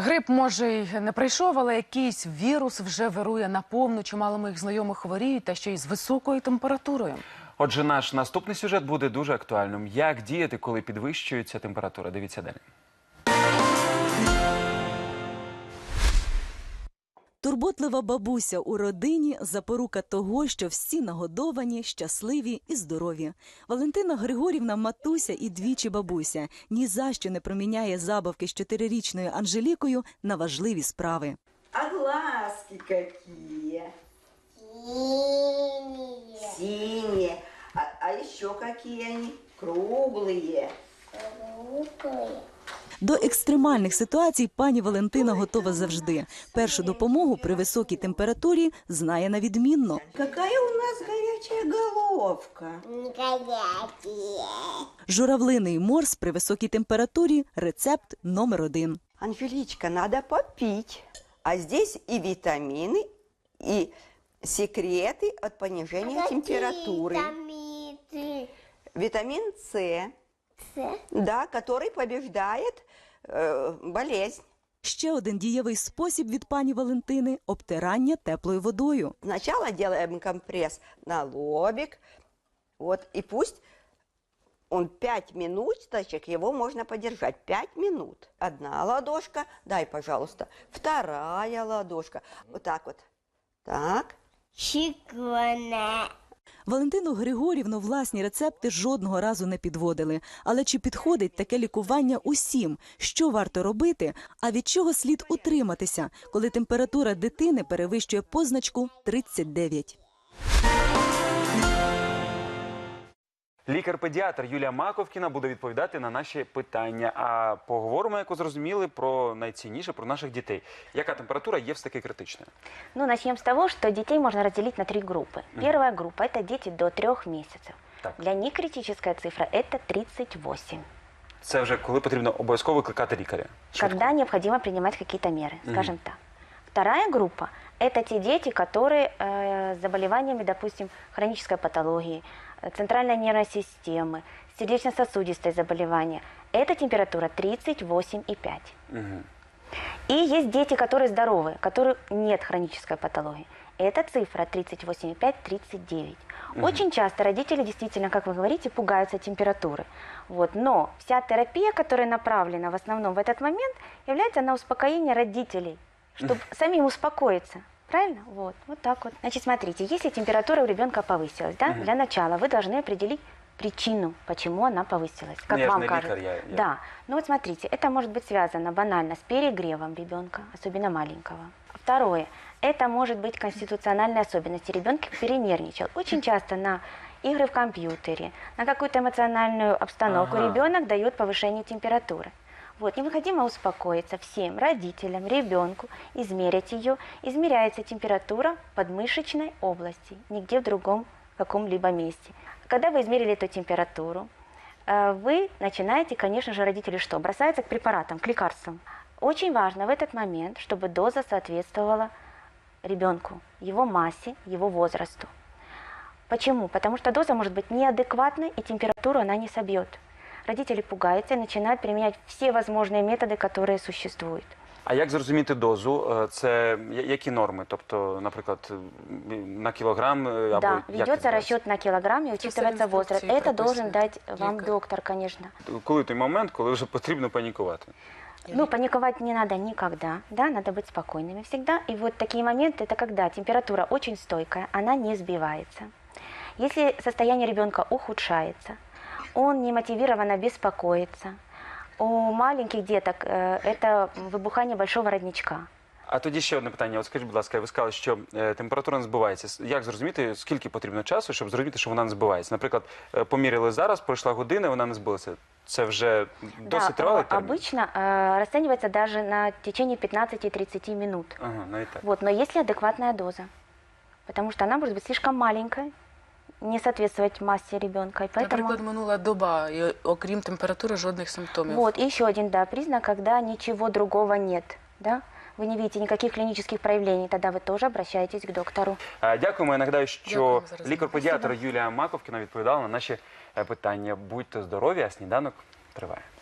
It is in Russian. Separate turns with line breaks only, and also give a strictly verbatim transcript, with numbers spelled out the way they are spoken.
Грип, може, й не прийшов, але якийсь вірус вже вирує наповну. Чимало моїх знайомих хворіють, та ще й з високою температурою.
Отже, наш наступний сюжет буде дуже актуальним. Як діяти, коли підвищується температура? Дивіться далі.
Турботлива бабуся у родині – запорука того, що всі нагодовані, щасливі і здорові. Валентина Григорівна – матуся і двічі бабуся. Ні за що не проміняє забавки з чотирирічною Анжелікою на важливі справи.
А глазки какие?
Синие.
Синие. А, а еще какие они? Круглые.
Круглые.
До екстремальних ситуацій пані Валентина готова завжди. Першу допомогу при високій температурі знає на відмінно.
Какая у нас горячая головка.
Горячие.
Журавлиний морс при високій температурі – рецепт номер один.
Анжеличка, надо попить. А здесь и витамины, и секреты от понижения температуры.
Витамины.
Витамин С,
С.
да, который побеждает э, болезнь.
Ще один дієвий спосіб від пані Валентини – обтирання теплою водою.
Сначала делаем компресс на лобик, вот, и пусть он пять минуточек, его можно подержать, пять минут. Одна ладошка, дай, пожалуйста, вторая ладошка, вот так вот, так.
Шикарно.
Валентину Григорівну власні рецепти жодного разу не підводили. Але чи підходить таке лікування усім? Що варто робити? А від чого слід утриматися, коли температура дитини перевищує позначку тридцять дев'ять?
Лікар-педіатр Юлія Маковкіна буде відповідати на наші питання. А поговоримо, як ви зрозуміли, про найцінніше, про наших дітей. Яка температура є все-таки критичною?
Ну, начнем с того, что детей можно разделить на три группы. Первая группа – это дети до трех месяцев.
Так.
Для них критическая цифра – это тридцать восемь.
Це вже коли потрібно обов'язково викликати лікаря. Швидко.
Когда необходимо принимать какие-то меры, скажем так. Вторая группа – это те дети, которые э, с заболеваниями, допустим, хронической патологии, э, центральной нервной системы, сердечно-сосудистые заболевания. Это температура тридцать восемь и пять.
Мгм.
И есть дети, которые здоровые, которых нет хронической патологии. Эта цифра тридцать восемь и пять — тридцать девять. Очень часто родители действительно, как вы говорите, пугаются температуры. Вот. Но вся терапия, которая направлена в основном в этот момент, является на успокоение родителей, чтобы самим успокоиться. Правильно? Вот. Вот так вот. Значит, смотрите, если температура у ребенка повысилась, да, для начала вы должны определить причину, почему она повысилась. Как
Ну, я же
вам
не
кажется?
лекарь, я- я-
Да. Ну вот смотрите, это может быть связано банально с перегревом ребенка, особенно маленького. Второе. Это может быть конституциональные особенности. Ребенок перенервничал. Очень часто на игры в компьютере, на какую-то эмоциональную обстановку
Ага.
ребенок дает повышение температуры. Вот, необходимо успокоиться всем родителям, ребенку, измерить ее. Измеряется температура в подмышечной области, нигде в другом каком-либо месте. Когда вы измерили эту температуру, э, вы начинаете, конечно же, родители что? Бросаются к препаратам, к лекарствам. Очень важно в этот момент, чтобы доза соответствовала ребенку, его массе, его возрасту. Почему? Потому что доза может быть неадекватной, и температуру она не собьет. Родители пугаются и начинают применять все возможные методы, которые существуют.
А як зрозуміти дозу? Е, Це я- які норми? Тобто, наприклад, е, на кілограм е, або
Да,
як
ведется
відбувається?
расчет на килограмм и
Это
учитывается
все в
возраст.
инструкции
Это должен
прописано.
дать вам
Лекарь.
доктор, конечно.
Коли той момент, коли вже потрібно панікувати?
Ну, паниковать не надо никогда, да, надо быть спокойными всегда. И вот такие моменты, это когда температура очень стойкая, она не сбивается. Если состояние ребенка ухудшается, он немотивированно беспокоится. У маленьких деток э, это выбухание большого родничка.
А тоді ще одне питання. От скажіть, будь ласка, ви сказали, що е, температура не збивається. С- Як зрозуміти, скільки потрібно часу, щоб зрозуміти, що вона не збивається? Наприклад, е, поміряли зараз, пройшла година, вона не збилася. Це вже досить тривалий
э,
термін?
обычно э, расценивается даже на течение пятнадцати-тридцати минут.
Ага, навіть так.
Вот, но если адекватная доза, потому что она может быть слишком маленькой, не соответствовать массе ребенка, и поэтому...
Наприклад, минула доба, і окрім температури жодних симптомів.
Вот, и еще один, да, признак, когда ничего другого нет, да, вы не видите никаких клинических проявлений, тогда вы тоже обращаетесь к доктору.
Е, Дякуємо. Я нагадаю, що
Дякуємо за розмову.
лікар-педіатр Юлія Маковкіна відповідала на наші е, питання. Будьте здорові, а сніданок триває.